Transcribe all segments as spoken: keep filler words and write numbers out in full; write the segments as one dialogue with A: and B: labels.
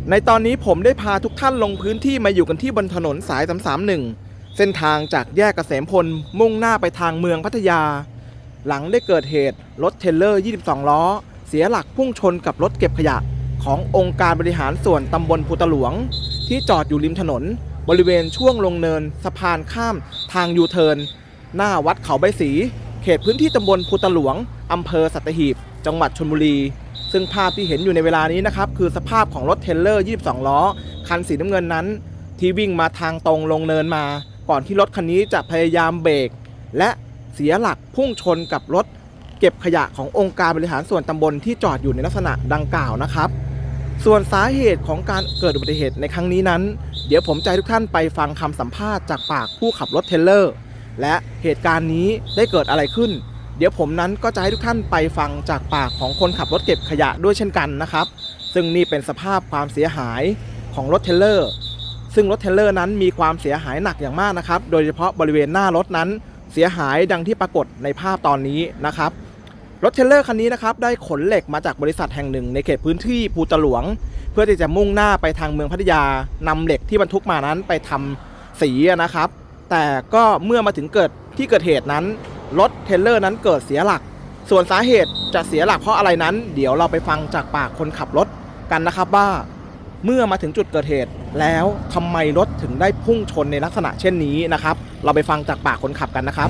A: ในตอนนี้ผมได้พาทุกท่านลงพื้นที่มาอยู่กันที่บนถนนสายสามสามหนึ่งเส้นทางจากแยกเกษมพลมุ่งหน้าไปทางเมืองพัทยาหลังได้เกิดเหตุรถเทรลเลอร์ยี่สิบสองล้อเสียหลักพุ่งชนกับรถเก็บขยะขององค์การบริหารส่วนตำบลภูตะหลวงที่จอดอยู่ริมถนนบริเวณช่วงลงเนินสะพานข้ามทางยูเทิร์นหน้าวัดเขาใบสีเขตพื้นที่ตำบลภูตะหลวงอำเภอสัตหีบจังหวัดชลบุรีซึ่งภาพที่เห็นอยู่ในเวลานี้นะครับคือสภาพของรถเทรลเลอร์ยี่สิบสองล้อคันสีน้ำเงินนั้นที่วิ่งมาทางตรงลงเนินมาก่อนที่รถคันนี้จะพยายามเบรกและเสียหลักพุ่งชนกับรถเก็บขยะขององค์การบริหารส่วนตำบลที่จอดอยู่ในลักษณะดังกล่าวนะครับส่วนสาเหตุของการเกิดอุบัติเหตุในครั้งนี้นั้นเดี๋ยวผมจะให้ทุกท่านไปฟังคำสัมภาษณ์จากปากผู้ขับรถเทรลเลอร์และเหตุการณ์นี้ได้เกิดอะไรขึ้นเดี๋ยวผมนั้นก็จะให้ทุกท่านไปฟังจากปากของคนขับรถเก็บขยะด้วยเช่นกันนะครับซึ่งนี่เป็นสภาพความเสียหายของรถเทรลเลอร์ซึ่งรถเทรลเลอร์นั้นมีความเสียหายหนักอย่างมากนะครับโดยเฉพาะบริเวณหน้ารถนั้นเสียหายดังที่ปรากฏในภาพตอนนี้นะครับรถเทรลเลอร์คันนี้นะครับได้ขนเหล็กมาจากบริษัทแห่งหนึ่งในเขตพื้นที่ภูตะหลวงเพื่อที่จะมุ่งหน้าไปทางเมืองพัทยานำเหล็กที่บรรทุกมานั้นไปทำสีนะครับแต่ก็เมื่อมาถึงเกิดที่เกิดเหตุนั้นรถเทรลเลอร์นั้นเกิดเสียหลักส่วนสาเหตุจะเสียหลักเพราะอะไรนั้นเดี๋ยวเราไปฟังจากปากคนขับรถกันนะครับว่าเมื่อมาถึงจุดเกิดเหตุแล้วทำไมรถถึงได้พุ่งชนในลักษณะเช่นนี้นะครับเราไปฟังจากปากคนขับกันนะครับ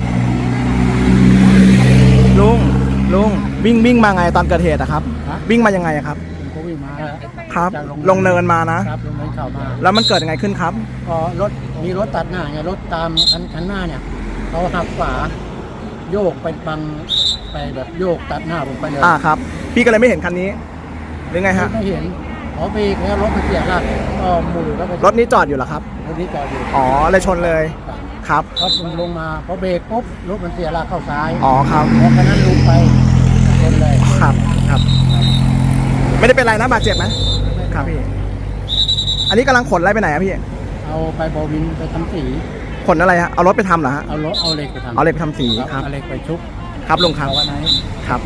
A: ลุงลุงวิ่งวิ่งมาไงตอนเกิดเหตุนะครับวิ่งมายังไงครับ
B: ก็วิ่งมา
A: ครับลงเนินมานะครับ
B: ลงเนินเข้ามา
A: แล้วมันเกิดยังไงขึ้นครับ
B: ก็รถมีรถตัดหน้าไงรถตามคันคันหน้าเนี่ยเขาหักขวาโยกไปบังไปแบบโยกตัดหน้าผมไปเลย
A: อ่าครับพี่ก็เลยไม่เห็นคันนี้หรือไงฮะ
B: ไม่เห็นพอไปแล้วรถมันเสียหลักก็หมุนแล้ว
A: รถนี้จอดอยู่เหรอครับ
B: รถนี้จอดอยู่
A: อ๋อเลยชนเลยครับ
B: พอลงมาพอเบรกปุ๊บรถมันเสียหลักเข้าซ้าย
A: อ๋อครับ
B: พอคันนั้นลงไปชนเลย
A: ครับครับไม่ได้เป็นไรนะบาดเจ็บไหมครับพี่อันนี้กำลังขนอะไรไปไหนอะพี่
B: เอาไปบอวินไปทำสี
A: ขนอะไรฮะเอารถไปทำเหรอฮะ
B: เอารถเอาเหล็กไปทำ
A: เอาเหล็กไปทำสีครับ
B: เอาเหล็กไปชุบ
A: ครับลุงครับครับ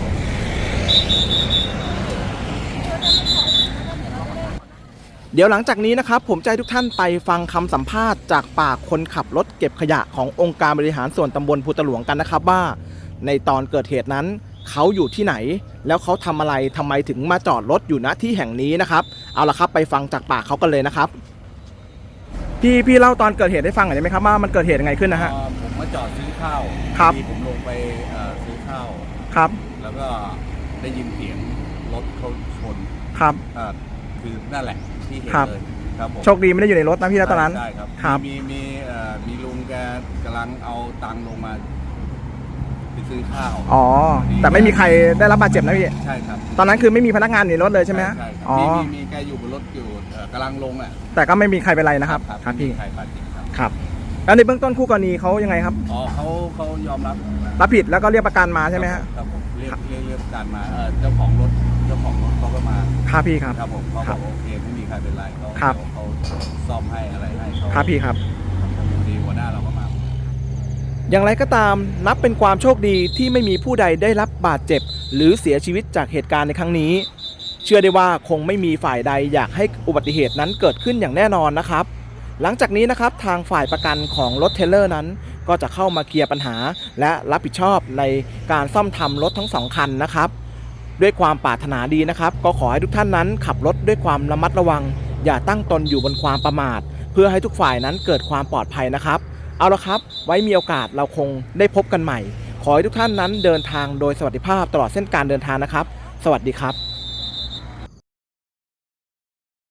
A: เดี๋ยวหลังจากนี้นะครับผมจะให้ทุกท่านไปฟังคำสัมภาษณ์จากปากคนขับรถเก็บขยะขององค์การบริหารส่วนตำบลภูตะหลวงกันนะครับว่าในตอนเกิดเหตุนั้นเขาอยู่ที่ไหนแล้วเขาทำอะไรทำไมถึงมาจอดรถอยู่ณที่แห่งนี้นะครับเอาละครับไปฟังจากปากเขากันเลยนะครับพี่พี่เล่าตอนเกิดเหตุให้ฟังหน่อยได้ไหมครับว่ามันเกิดเหตุยังไงขึ้นนะฮะ
C: ผมมาจอดซื้อข้าว
A: ครับ
C: ผมลงไปซื้อข้าว
A: ครับ
C: แล้วก็ได้ยินเสียงรถเขาชน
A: ครับ
C: คือนั่นแหละที่เห็นเลยครับผม
A: โชคดีไม่ได้อยู่ในรถนะพี่แล้วตอนนั้น
C: ใช่ครับมีมีมีลุงแกกำลังเอาตังค์ลงมาไปซื้อข้าว
A: อ๋อแต่ไม่มีใครได้รับบาดเจ็บนะพี่
C: ใช่ครับ
A: ตอนนั้นคือไม่มีพนักงานในรถเลยใช่ไหม
C: ใช่ครับอ๋อมีมีแกอยู่บนรถอยู่กำลังลงอ่ะ
A: แต่ก็ไม่มีใครเป็นไรนะครับ
C: ครับพี่
A: ครับแล้วในเบื้องต้นคู่กรณีเขายังไงครับ
C: อ๋อเขาเขายอมรับ
A: รับผิดแล้วก็เรียกประกันมาใช่ไหมฮะ
C: ครับผมเรียกเรียกเรียกประกันมาเจ้าของรถเจ้าของรถเขาก็มา
A: ครับพี่ครับ
C: ครับผมเขาบอกโอเคไม่มีใครเป็นไรเขาเขาซ่อมให้อะไรให้เขา
A: ครับพี่ครับ
C: ดีหัวหน้าเราก็มา
A: อย่างไรก็ตามนับเป็นความโชคดีที่ไม่มีผู้ใดได้รับบาดเจ็บหรือเสียชีวิตจากเหตุการณ์ในครั้งนี้เชื่อได้ว่าคงไม่มีฝ่ายใดอยากให้อุบัติเหตุนั้นเกิดขึ้นอย่างแน่นอนนะครับหลังจากนี้นะครับทางฝ่ายประกันของรถเทรลเลอร์นั้นก็จะเข้ามาเคลียร์ปัญหาและรับผิดชอบในการซ่อมทำรถทั้งสองคันนะครับด้วยความปรารถนาดีนะครับก็ขอให้ทุกท่านนั้นขับรถด้วยความระมัดระวังอย่าตั้งตนอยู่บนความประมาทเพื่อให้ทุกฝ่ายนั้นเกิดความปลอดภัยนะครับเอาละครับไว้มีโอกาสเราคงได้พบกันใหม่ขอให้ทุกท่านนั้นเดินทางโดยสวัสดิภาพตลอดเส้นการเดินทางนะครับสวัสดีครับ